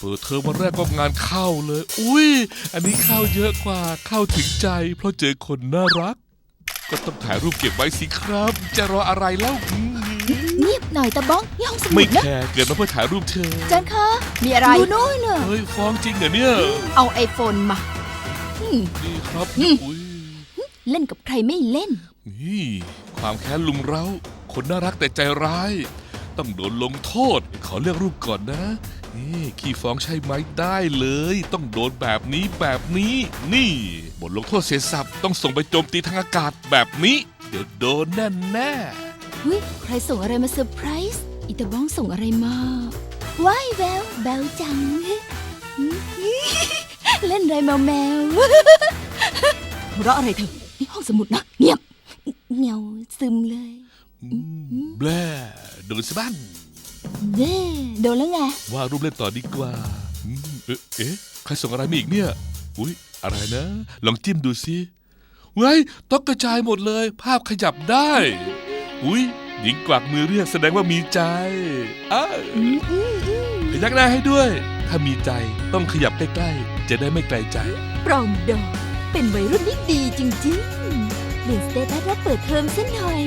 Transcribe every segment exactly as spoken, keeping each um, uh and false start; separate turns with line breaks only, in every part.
เปิดเทอมวันแรกก็งานเข้าเลยอุ้ยอันนี้เข้าเยอะกว่าเข้าถึงใจเพราะเจอคนน่ารักก็ต้องถ่ายรูปเก็บไว้สิครับจะรออะไรเล่า
เงียบหน่อยตะบ้องนี่ห้องสมุ
ไม่
ดนะ
แคร์เกิดมาเพื่อถ่ายรูปเธอ
จันคะ
มีอะไร
ดูโน้นน่ะ
เฮ้ยฟ้องจริงเหรอเนี่ย
เอาไอโฟนมา
อืม
นี่ครับ
อืม
อุ้ย
เล่นกับใครไม่เล่น
นี่ความแค้นลุมเร้าคนน่ารักแต่ใจร้าย ต้องโดนลงโทษ ขอเลือกรูปก่อนนะนี่ขี้ฟ้องใช่ไหมได้เลย ต้องโดนแบบนี้แบบนี้ นี่บทลงโทษเสียสับต้องส่งไปโจมตีทางอากาศแบบนี้ เดี๋ยวโดนแน่แน่
เฮ้ยใครส่งอะไรมาเซอร์ไพรส์อีตาบ้องส่งอะไรมาว้ายแววแบวจัง เล่นอะไรแมวแมว
หัวเราะอะไรเธอ
นี่ห้องสมุดนะเงียบเงียวซึมเลย
ๆอืมแบล่โดนสะบั้น
เด้โดนแล้วไง
วาดรูปเล่นต่อดีกว่าอืมเอ๊ะเอ๊ะใครส่งอะไรมาอีกเนี่ยอุ๊ยอะไรนะ ลองจิ้มดูสิเว้ยต้องกระจายหมดเลย ภาพขยับได้ อุ๊ยหญิงกวักมือเรียกแสดงว่ามีใจอ้าว
อืมอืมอืม
พยักหน้าให้ด้วย ถ้ามีใจต้องขยับใกล้ๆ จะได้ไม่ไกลใจ
ปรองดองเป็นวัยรุ่นที่ดีจริงๆเปลี่ยนสเตตัสรับเปิดเทอมซะหน่อย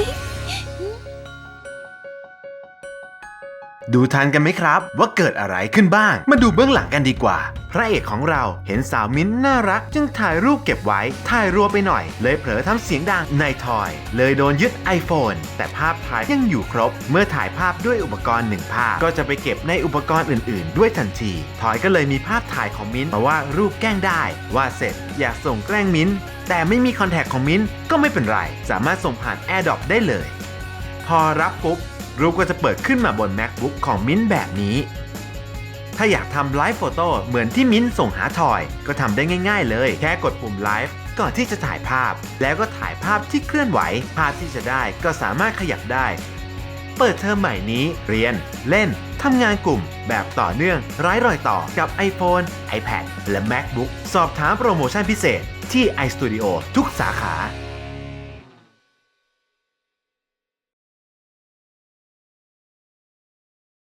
ดูทันกันไหมครับว่าเกิดอะไรขึ้นบ้างมาดูเบื้องหลังกันดีกว่าพระเอกของเราเห็นสาวมิ้นท์น่ารักจึงถ่ายรูปเก็บไว้ถ่ายรัวไปหน่อยเลยเผลอทำเสียงดังในทอยเลยโดนยึด iPhone แต่ภาพถ่ายยังอยู่ครบเมื่อถ่ายภาพด้วยอุปกรณ์หนึ่งภาพก็จะไปเก็บในอุปกรณ์อื่นๆ ด้วยทันทีทอยก็เลยมีภาพถ่ายของมิ้นท์มาว่ารูปแกล้งได้ว่าเสร็จอยากส่งแกล้งมิ้นท์แต่ไม่มีคอนแทคของมิ้นท์ก็ไม่เป็นไรสามารถส่งผ่าน AirDrop ได้เลยพอรับปุ๊บรูปก็จะเปิดขึ้นมาบน MacBook ของมิ้นท์แบบนี้ถ้าอยากทำไลฟ์โฟโต้เหมือนที่มิ้นท์ส่งหาทอยก็ทำได้ง่ายๆเลยแค่กดปุ่มไลฟ์ก่อนที่จะถ่ายภาพแล้วก็ถ่ายภาพที่เคลื่อนไหวภาพที่จะได้ก็สามารถขยับได้เปิดเทอมใหม่นี้เรียนเล่นทำงานกลุ่มแบบต่อเนื่องไร้รอยต่อกับ iPhone, iPad และ MacBook สอบถามโปรโมชั่นพิเศษที่ iStudio ทุกสาขา